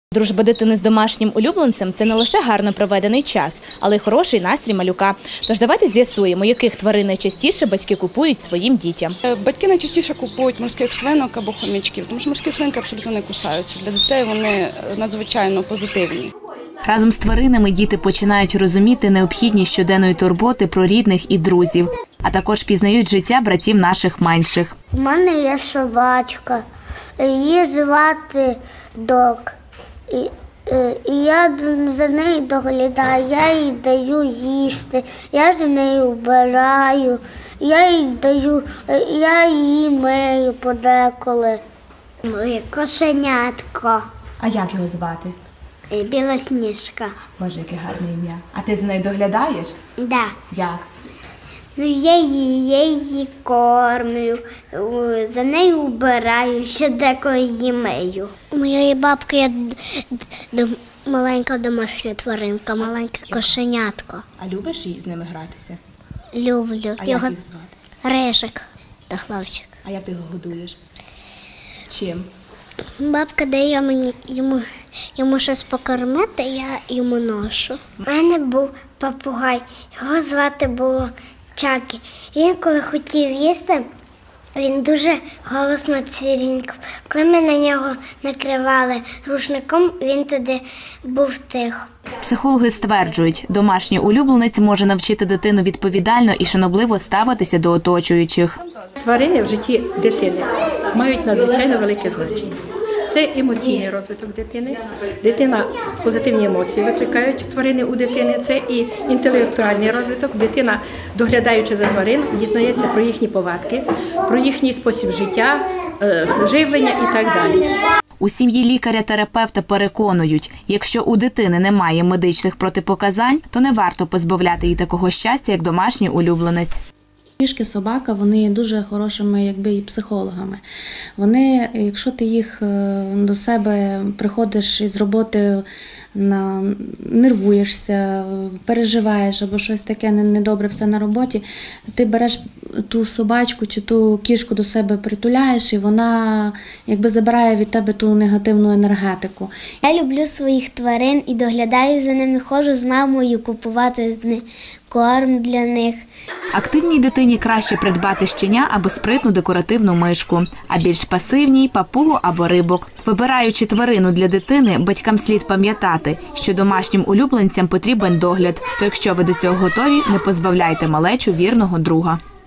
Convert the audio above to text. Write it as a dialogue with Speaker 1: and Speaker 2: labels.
Speaker 1: Дружба дитини з домашнім улюбленцем – це не лише гарно проведений час, але й хороший настрій малюка. Тож давайте з'ясуємо, яких тварин найчастіше батьки купують своїм дітям.
Speaker 2: Батьки найчастіше купують морських свинок або хомячків, тому що морські свинки абсолютно не кусаються. Для дітей вони надзвичайно позитивні.
Speaker 1: Разом з тваринами діти починають розуміти необхідність щоденної турботи про рідних і друзів, а також пізнають життя братів наших менших.
Speaker 3: У мене є собачка, її звати Док. І я за нею доглядаю, я їй даю їсти, я за нею вбираю, я її мию подеколи. Моє кошенятко.
Speaker 1: А як його звати?
Speaker 3: Білосніжка.
Speaker 1: Боже, яке гарне ім'я. А ти за нею доглядаєш?
Speaker 3: Да.
Speaker 1: Як?
Speaker 3: Ну, я її кормлю, за нею вбираю, ще деколи її мию. У моєї бабки є маленька домашня тваринка, маленьке кошенятко.
Speaker 1: А любиш з ними гратися?
Speaker 3: Люблю.
Speaker 1: А як їх звати?
Speaker 3: Рижик та хлопчик.
Speaker 1: А як ти його годуєш? Чим?
Speaker 3: Бабка дає йому щось покормити, я йому ношу. У мене був папугай, його звати було Чакі. Він, коли хотів їсти, він дуже голосно цвірінькав. Коли ми на нього накривали рушником, він тоді був тихо.
Speaker 1: Психологи стверджують, домашній улюбленець може навчити дитину відповідально і шанобливо ставитися до оточуючих.
Speaker 4: Тварини в житті дитини мають надзвичайно велике значення. Це емоційний розвиток дитини. Дитина позитивні емоції викликають тварини у дитини. Це і інтелектуальний розвиток. Дитина, доглядаючи за тварин, дізнається про їхні повадки, про їхній спосіб життя, живлення і так далі.
Speaker 1: У сім'ї лікаря-терапевта переконують, якщо у дитини немає медичних протипоказань, то не варто позбавляти її такого щастя, як домашній улюбленець.
Speaker 5: Кішки, собака, вони є дуже хорошими і психологами. Вони, якщо ти їх до себе приходиш із роботи, нервуєшся, переживаєш або щось таке недобре все на роботі, ти береш ту собачку чи ту кішку до себе притуляєш, і вона забирає від тебе ту негативну енергетику.
Speaker 3: Я люблю своїх тварин і доглядаю за ними, ходжу з мамою купувати з них корм для них.
Speaker 1: Активній дитині краще придбати щеня або спритну декоративну мишку, а більш пасивній – папугу або рибок. Вибираючи тварину для дитини, батькам слід пам'ятати, що домашнім улюбленцям потрібен догляд, то якщо ви до цього готові, не позбавляйте малечу вірного друга.